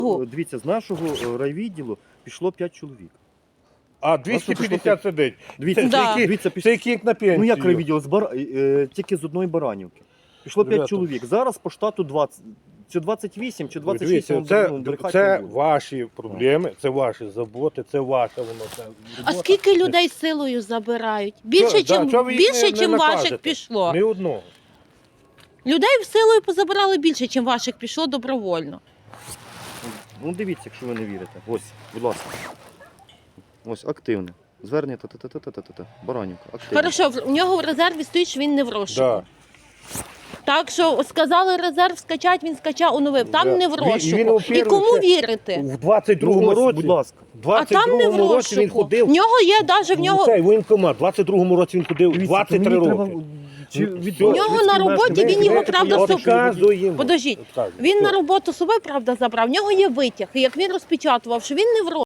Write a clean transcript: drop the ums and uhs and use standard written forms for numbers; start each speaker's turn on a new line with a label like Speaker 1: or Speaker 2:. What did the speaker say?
Speaker 1: Дивіться, з нашого райвідділу пішло 5 чоловік.
Speaker 2: А 250 сидить.
Speaker 1: Дивіться,
Speaker 3: Да.
Speaker 1: дивіться,
Speaker 2: Це
Speaker 1: пішло.
Speaker 2: як на пенсію.
Speaker 1: Ну як райвідділ? Тільки з одної Баранівки. Пішло 5
Speaker 2: Ребята.
Speaker 1: чоловік. Зараз по штату 20. Чи 28, чи 26.
Speaker 2: Дивіться, це ваші проблеми, це ваші заботи, це ваше воно. Це
Speaker 3: А скільки людей силою забирають? Більше, чим ваших пішло.
Speaker 2: Ні одного.
Speaker 3: Людей силою позабирали більше, чим ваших пішло добровольно.
Speaker 1: Ну дивіться, якщо ви не вірите. Ось, будь ласка. Ось, активне. Звернення та-та-та-та-та-та. Баранівка, активне.
Speaker 3: Хорошо, в нього в резерві стоїть, що він не в розшуку.
Speaker 2: Да.
Speaker 3: Так що сказали резерв скачати, він скачав, оновив. Там
Speaker 2: Да.
Speaker 3: не в розшуку.
Speaker 2: Він,
Speaker 3: І кому вірити?
Speaker 2: В 22-му
Speaker 1: Ну, ось,
Speaker 2: році,
Speaker 1: будь ласка.
Speaker 3: А там не в
Speaker 2: році він
Speaker 3: розшуку.
Speaker 2: ходив.
Speaker 3: В нього є навіть в нього.
Speaker 2: Цей воєнкомат, в 22-му році він ходив
Speaker 1: Дивіться,
Speaker 2: 23
Speaker 1: мені
Speaker 2: роки.
Speaker 1: треба- Чи від
Speaker 3: У нього на роботі він його, правда,
Speaker 2: Подождіть.
Speaker 3: Подождіть. Він на роботу з собою, правда, забрав. В нього є витяг. І як він розпечатував, що він не в розшуку.